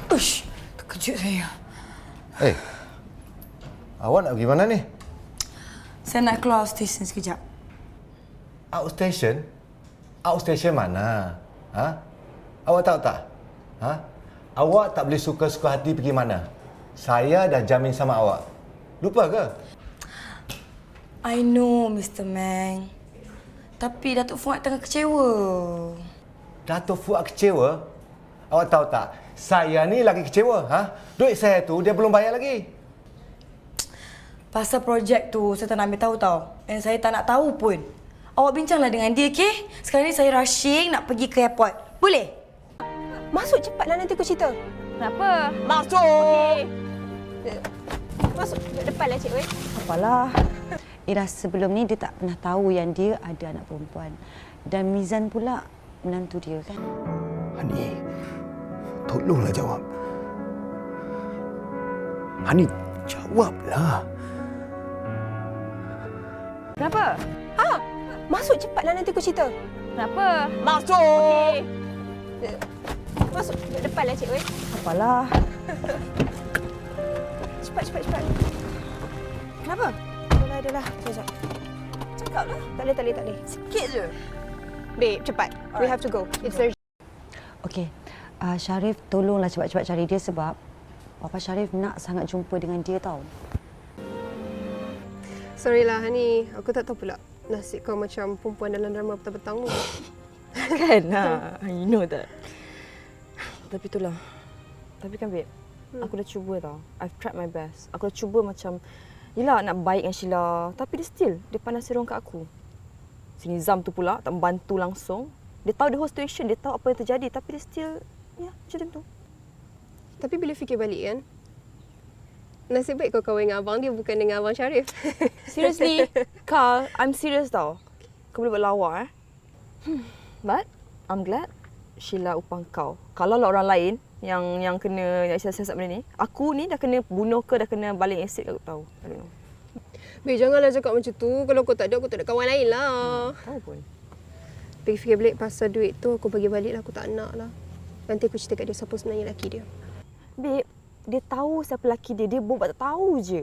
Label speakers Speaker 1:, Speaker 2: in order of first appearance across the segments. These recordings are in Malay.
Speaker 1: Ush, terkejut saya.
Speaker 2: Awak nak pergi mana ni?
Speaker 1: Saya nak keluar stesen sekejap.
Speaker 2: Outstation? Outstation mana? Ha? Awak tahu tak? Ha? Awak tak boleh suka-suka hati pergi mana. Saya dah jamin sama awak. Lupa ke?
Speaker 1: I know, Mr. Meng. Tapi Datuk Fuad tengah kecewa.
Speaker 2: Datuk Fuad kecewa? Awak tahu tak? Saya ni lagi kecewa. Ha? Duit saya tu dia belum bayar lagi.
Speaker 1: Pasal projek tu saya tak nak ambil tahu tau. Dan saya tak nak tahu pun. Awak bincanglah dengan dia, okey? Sekarang ni saya rushing nak pergi ke airport. Boleh?
Speaker 3: Masuk cepatlah, nanti aku cerita.
Speaker 4: Kenapa?
Speaker 3: Masuk! Okey. Masuk depanlah cik weh.
Speaker 4: Apalah. Ira sebelum ni dia tak pernah tahu yang dia ada anak perempuan. Dan Mizan pula menantu dia kan.
Speaker 5: Hani, tolonglah jawab. Hani, jawablah.
Speaker 4: Kenapa?
Speaker 3: Masuk cepatlah, nanti aku cerita.
Speaker 4: Kenapa?
Speaker 3: Masuk! Okey. Masuk depanlah cik weh.
Speaker 4: Apalah.
Speaker 3: Cepat.
Speaker 4: Kenapa?
Speaker 3: Adalah. Sekejap. Cakaplah. Tak boleh.
Speaker 1: Sikit je.
Speaker 3: Babe, cepat. We have to go. It's urgent.
Speaker 4: Okey. Sharif, tolonglah cepat-cepat cari dia sebab Papa Sharif nak sangat jumpa dengan dia tau.
Speaker 3: Sorry lah, Hani. Aku tak tahu pula nasib kau macam perempuan dalam drama petang-petang tu.
Speaker 6: Kan? You know that. Tapi itulah. Tapi kan, babe, aku dah cuba tau. I've tried my best. Aku dah cuba macam, yelah nak baik dengan Sheila. Tapi dia pandang serong kat aku. Si Nizam tu pula tak membantu langsung. Dia tahu the whole situation. Dia tahu apa yang terjadi. Tapi dia still, macam tu.
Speaker 3: Tapi bila fikir balik kan, nasib baik kau kahwin dengan abang dia bukan dengan abang Sharif.
Speaker 6: Seriously, Carl, I'm serious tau. Kau boleh buat lawak But, I'm glad Sheila upang kau. Kalau lah orang lain yang kena siasat benda ni, aku ni dah kena bunuh ke, dah kena baling asid ke, aku tahu. I don't know.
Speaker 3: Babe, janganlah cakap macam tu. Kalau kau tak ada, aku tak ada kawan lain lah.
Speaker 6: Tahu pun.
Speaker 3: Fikir balik pasal duit tu, aku bagi balik lah. Aku tak nak lah. Nanti aku cerita kat dia siapa sebenarnya lelaki dia.
Speaker 6: Babe, dia tahu siapa lelaki dia. Dia buat tak tahu je.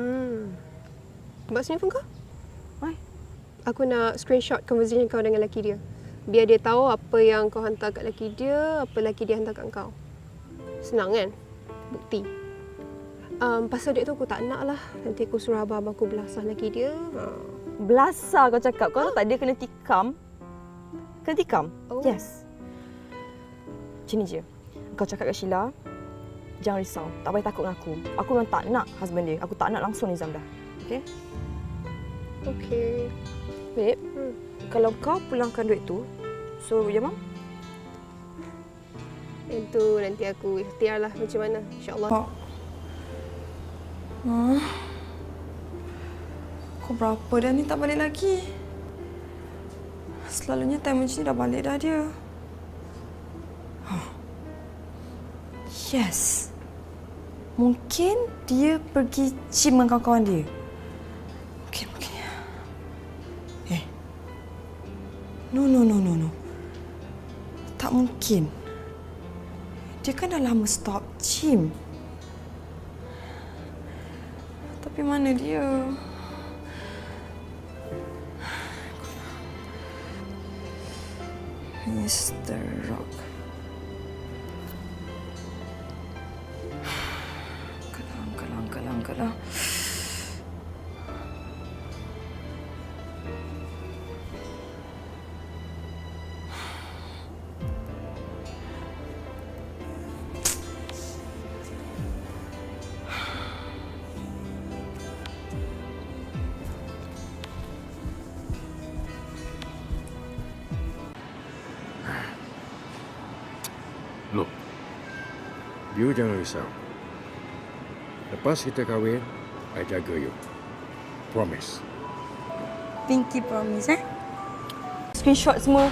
Speaker 3: Buat sini pun kau?
Speaker 6: Why?
Speaker 3: Aku nak screenshot conversation kau dengan lelaki dia. Biar dia tahu apa yang kau hantar kat lelaki dia, apa lelaki dia hantar kat kau. Senang kan? Bukti. Pasal duit tu aku tak nak lah. Nanti aku suruh abang aku belasah lelaki dia.
Speaker 6: Belasah kau cakap. Kau tahu tak dia kena tikam? Kena tikam?
Speaker 3: Oh.
Speaker 6: Yes. Macam ni je. Kau cakap kat Sheila, jangan risau. Tak payah takut dengan aku. Aku memang tak nak husband dia. Aku tak nak langsung Nizam dah. Okay?
Speaker 3: Okey.
Speaker 6: Babe, kalau kau pulangkan duit tu, so ya, Mam?
Speaker 3: Itu nanti aku ikhtiar lah macam mana. InsyaAllah.
Speaker 1: Kau berapa dah ni tak balik lagi? Selalunya time macam ni dah balik dah dia. Yes. Mungkin dia pergi gym dengan kawan-kawan dia. Mungkin. No. Tak mungkin. Dia kan dah lama stop gym. Tapi mana dia? Mr. Rock. Kalang.
Speaker 7: Look, you jangan risau. Lepas kita kahwin, I jaga you. Promise.
Speaker 1: Pinky promise,
Speaker 4: Screenshot semua.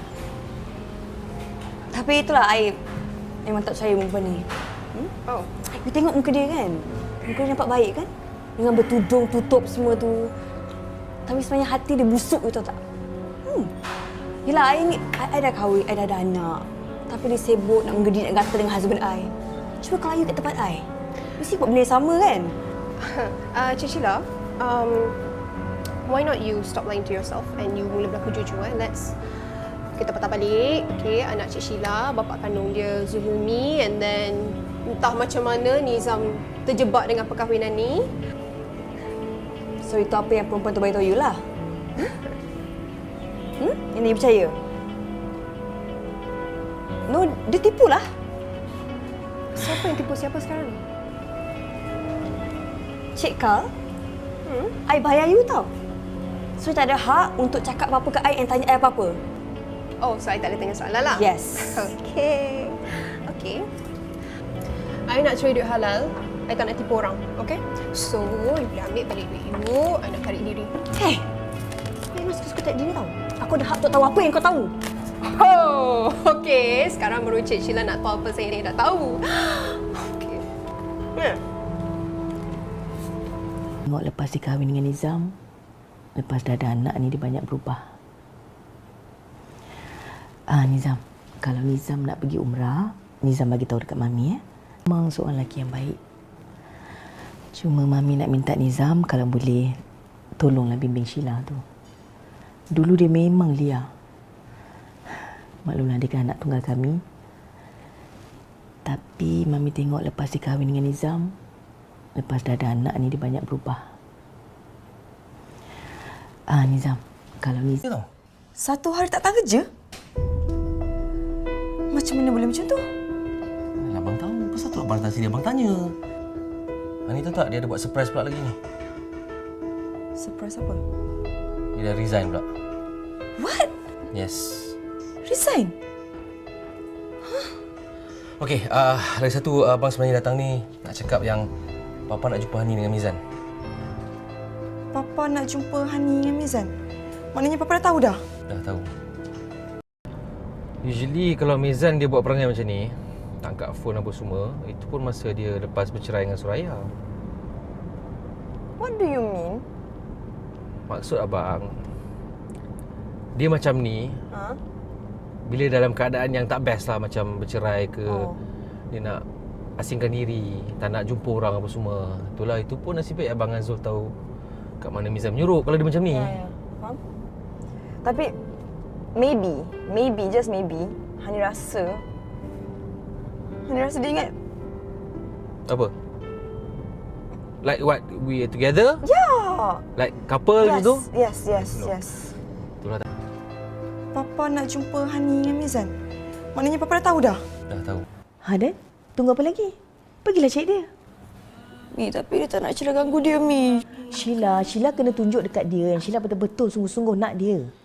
Speaker 4: Tapi itulah Aib. Memang tak percaya perempuan ni.
Speaker 3: Oh.
Speaker 4: You tengok muka dia kan? Muka dia nampak baik kan? Dengan bertudung, tutup semua tu. Tapi sebenarnya hati dia busuk, you tahu tak? Yelah, I dah kahwin, I dah ada anak. Tapi dia sibuk nak menggedi, nak gatal dengan husband I. Cuba kau layu kat tempat I. Mesti buat benda yang sama kan?
Speaker 3: Cik Sheila, why not you stop lying to yourself and you mula berlaku jujur. Kita patah balik. Okay, anak Cik Sheila, bapa kandung dia Zuhumi, and then entah macam mana Nizam terjebak dengan perkahwinan ni.
Speaker 4: So itu apa yang perempuan tu beritahu you lah? Yang dia percaya? No, dia tipu lah.
Speaker 3: Siapa yang tipu siapa sekarang ni?
Speaker 4: Cik Kal, I bayar you tau. So tak ada hak untuk cakap apa-apa ke I and tanya I apa-apa.
Speaker 3: Oh, so I tak boleh tanya soalan lah?
Speaker 4: Yes.
Speaker 3: Okay. I nak cari duit halal. I tak nak tipu orang. Okay? So, you boleh ambil balik duit you. I nak tarik diri.
Speaker 4: Hey, kau memang suka-suka tarik diri tau. Aku ada hak untuk tahu apa yang kau tahu.
Speaker 3: Oh, okay. Sekarang baru Cik Sheila nak tahu apa saya ni dah tahu. Okay.
Speaker 8: Tengok lepas dia kahwin dengan Nizam, lepas dah ada anak ni dia banyak berubah. Nizam, kalau Nizam nak pergi umrah, Nizam bagi tahu dekat Mami Memang seorang lelaki yang baik. Cuma Mami nak minta Nizam kalau boleh tolonglah bimbing Sheila tu. Dulu dia memang liar. Maklumlah dia kan anak tunggal kami. Tapi Mami tengok lepas dia kahwin dengan Nizam, lepas dah ada anak ni dia banyak berubah. Nizam, kalau Nizam...
Speaker 1: Satu hari tak datang kerja? Macam mana boleh macam tu?
Speaker 9: Abang tahu. Pasal tu abang datang sini abang tanya. Ani tahu tak dia ada buat surprise pula lagi ni.
Speaker 1: Surprise apa?
Speaker 9: Dia dah resign pula.
Speaker 1: What?
Speaker 9: Yes.
Speaker 1: Resign?
Speaker 9: Okey, lagi satu abang sebenarnya datang ni nak cakap yang Papa nak jumpa Hani dengan Mizan.
Speaker 1: Papa nak jumpa Hani dengan Mizan? Maknanya Papa dah tahu dah?
Speaker 9: Dah tahu. Usually kalau Mizan dia buat perangai macam ni, tak angkat phone apa semua, itu pun masa dia lepas bercerai dengan Suraya.
Speaker 6: What do you mean?
Speaker 9: Maksud abang, dia macam ni bila dalam keadaan yang tak best lah, macam bercerai ke, dia nak asingkan diri, tak nak jumpa orang apa semua. Itulah, itu pun nasib baik abang Azul tahu kat mana Mizan menyuruh kalau dia macam ni.
Speaker 6: Ya. Faham? Tapi maybe, just maybe, Hani rasa dia ingat.
Speaker 9: Apa? Like what? We are together?
Speaker 6: Ya.
Speaker 9: Like couple gitu?
Speaker 6: Yes.
Speaker 9: Itulah.
Speaker 1: Papa nak jumpa Hani dengan Mizan? Maknanya Papa dah tahu dah?
Speaker 9: Dah tahu.
Speaker 8: Dan? Tunggu apa lagi? Pergilah cari dia.
Speaker 1: Mi, tapi dia tak nak Sheila ganggu dia, Mi.
Speaker 8: Sheila kena tunjuk dekat dia yang Sheila betul-betul sungguh-sungguh nak dia.